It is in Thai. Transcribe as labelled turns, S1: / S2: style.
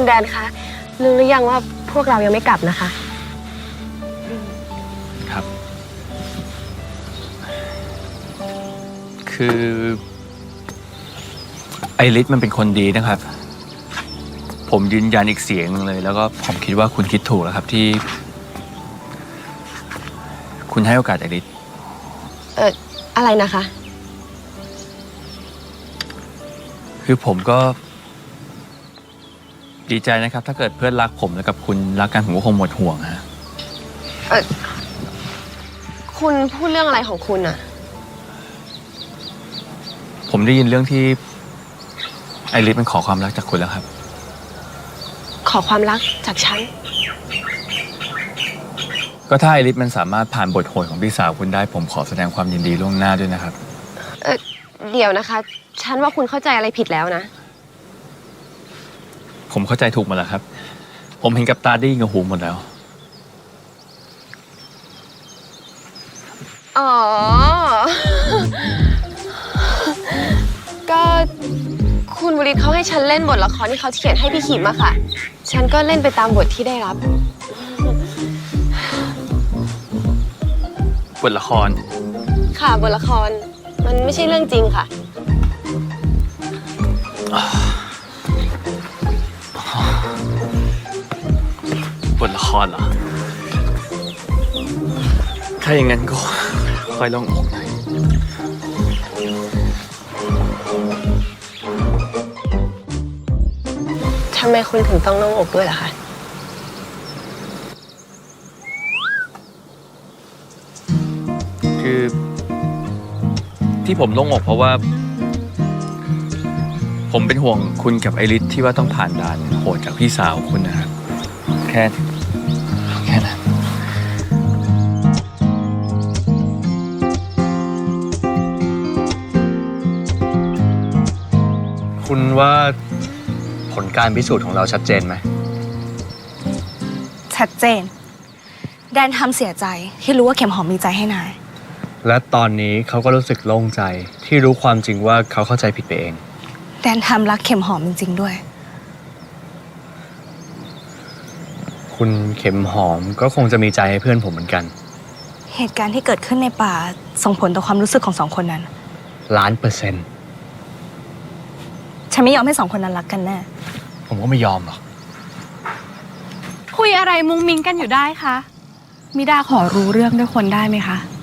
S1: แดนคะรู้หรือยังว่าพวกเรายังไม่กลับนะคะ
S2: ครับคือไอริสมันเป็นคนดีนะครับ ผมยืนยันอีกเสียงเลยแล้วก็ผมคิดว่าคุณคิดถูกแล้วครับที่คุณให้โอกาสไอริส
S1: อะไรนะคะ
S2: คือผมก็ดีใจนะครับถ้าเกิดเพื่อนรักผมแล้วกับคุณรักกันผมก็คงหมดห่วงฮะ
S1: คุณพูดเรื่องอะไรของคุณอะ
S2: ผมได้ยินเรื่องที่ไอริสมันขอความรักจากคุณแล้วครับ
S1: ขอความรักจากฉัน
S2: ก็ถ้าไอริสมันสามารถผ่านบทโหดของพี่สาวคุณได้ผมขอแสดงความยินดีล่วงหน้าด้วยนะครับ
S1: เดี๋ยวนะคะฉันว่าคุณเข้าใจอะไรผิดแล้วนะ
S2: ผมเข้าใจถูกหมดแล้วครับผมเห็นกับตาได้ยินกับหูหมดแล้ว
S1: อ๋อ ก็คุณบุริศเขาให้ฉันเล่นบทละครที่เขาเขียนให้พี่ขิมอะค่ะฉันก็เล่นไปตามบทที่ได้รั
S2: บบทละคร
S1: ค่ะบทละครมันไม่ใช่เรื่องจริงค่ะ
S2: บทละครเหรอถ้าอย่างนั้นก็ค่อยลองอกหน่อย
S1: ทำไมคุณถึงต้องโล่งอกด้วยล่ะคะ
S2: คือที่ผมโล่งอกเพราะว่าผมเป็นห่วงคุณกับไอริสที่ว่าต้องผ่านด่านโหดจากพี่สาวคุณนะครับแค่นั้นคุณว่าผลการพิสูจน์ของเราชัดเจนไหม
S3: ชัดเจนแดนทำเสียใจที่รู้ว่าเข็มหอมมีใจให้นาย
S2: และตอนนี้เขาก็รู้สึกโล่งใจที่รู้ความจริงว่าเขาเข้าใจผิดไปเอง
S3: แดนทำรักเข็มหอมจริงๆด้วย
S2: คุณเข็มหอมก็คงจะมีใจให้เพื่อนผมเหมือนกัน
S3: เหตุการณ์ที่เกิดขึ้นในป่าส่งผลต่อความรู้สึกของสองคนนั้น
S2: 1,000,000%
S3: ฉันไม่ยอมให้สองคนนั้นรักกันแน่
S2: ผมก็ไม่ยอมหรอก
S4: คุยอะไรมุ้งมิ้งกันอยู่ได้คะมิดาขอรู้เรื่องด้วยคนได้ไหมคะ